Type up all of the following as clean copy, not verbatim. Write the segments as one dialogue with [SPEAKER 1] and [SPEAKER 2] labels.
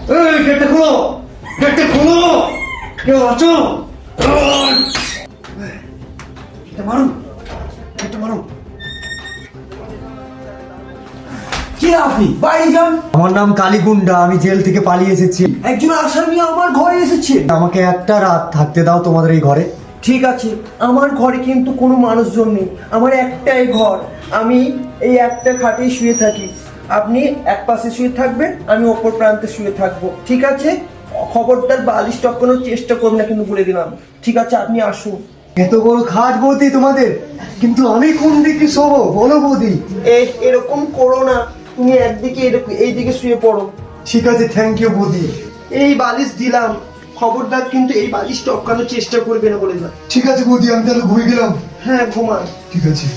[SPEAKER 1] এই গেটটা খোলো, গেটটা খোলো, কেউ আছো? গেটটা মারুন, গেটটা মারুন।
[SPEAKER 2] কে আপনি? বাইরে যান।
[SPEAKER 1] আমার নাম কালীগুন্ডা, আমি জেল থেকে পালিয়ে এসেছি।
[SPEAKER 2] একজন আসামি আমার ঘরে এসেছে।
[SPEAKER 1] আমাকে একটা রাত থাকতে দাও তোমাদের এই ঘরে।
[SPEAKER 2] ঠিক আছে, আমার ঘরে কিন্তু কোনো মানুষজন নেই, আমার একটাই ঘর। আমি এই একটা খাটে শুয়ে থাকি। আপনি এক পাশে শুয়ে থাকবেন, আমি অপর প্রান্তে শুয়ে থাকবো, ঠিক আছে? খবরদার বালিশ টপকানোর চেষ্টা করবেন না, কিন্তু বলে দিলাম। ঠিক আছে, আপনি আসুন।
[SPEAKER 1] এত বড় খাট বৌদি তোমাদের, কিন্তু আমি কোন দিকে শোবো বলো বৌদি?
[SPEAKER 2] এরকম করো না, তুমি একদিকে এরকম এইদিকে শুয়ে পড়ো।
[SPEAKER 1] ঠিক আছে, থ্যাংক ইউ বৌদি।
[SPEAKER 2] এই বালিশ দিলাম, খবরদার কিন্তু এই বালিশ টপকানোর চেষ্টা করবে না বলে দিলাম।
[SPEAKER 1] ঠিক আছে বৌদি, আমি তাহলে ঘুমিয়ে গেলাম।
[SPEAKER 2] হ্যাঁ, ঘুমান।
[SPEAKER 1] ঠিক আছে।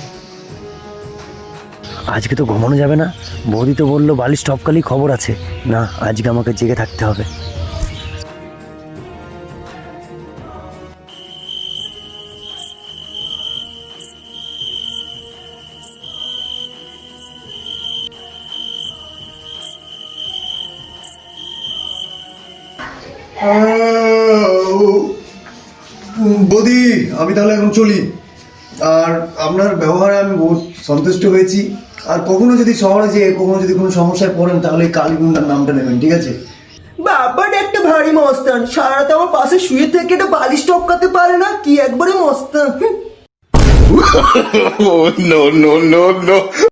[SPEAKER 3] আজকে তো ঘুমানো যাবে না, বৌদি তো বললো বালিশ টপকালেই খবর আছে। না, আজকে আমাকে জেগে থাকতে হবে।
[SPEAKER 1] বৌদি, আমি তাহলে এখন চলি। আর আপনার ব্যবহারে আমি বহুত সন্তুষ্ট হয়েছি। আর কখনো যদি শহরে যেয়ে কখনো যদি কোনো সমস্যায় পড়েন, তাহলে এই কালীগুন্ডার নামটা নেবেন, ঠিক আছে?
[SPEAKER 2] বাবাটা একটা ভারী মস্তান, সারা রাত আমার পাশে শুয়ে থেকে একটা বালিশ টপকাতে পারে না, কি একবারে মস্তান।
[SPEAKER 4] Oh, no, no, no, no.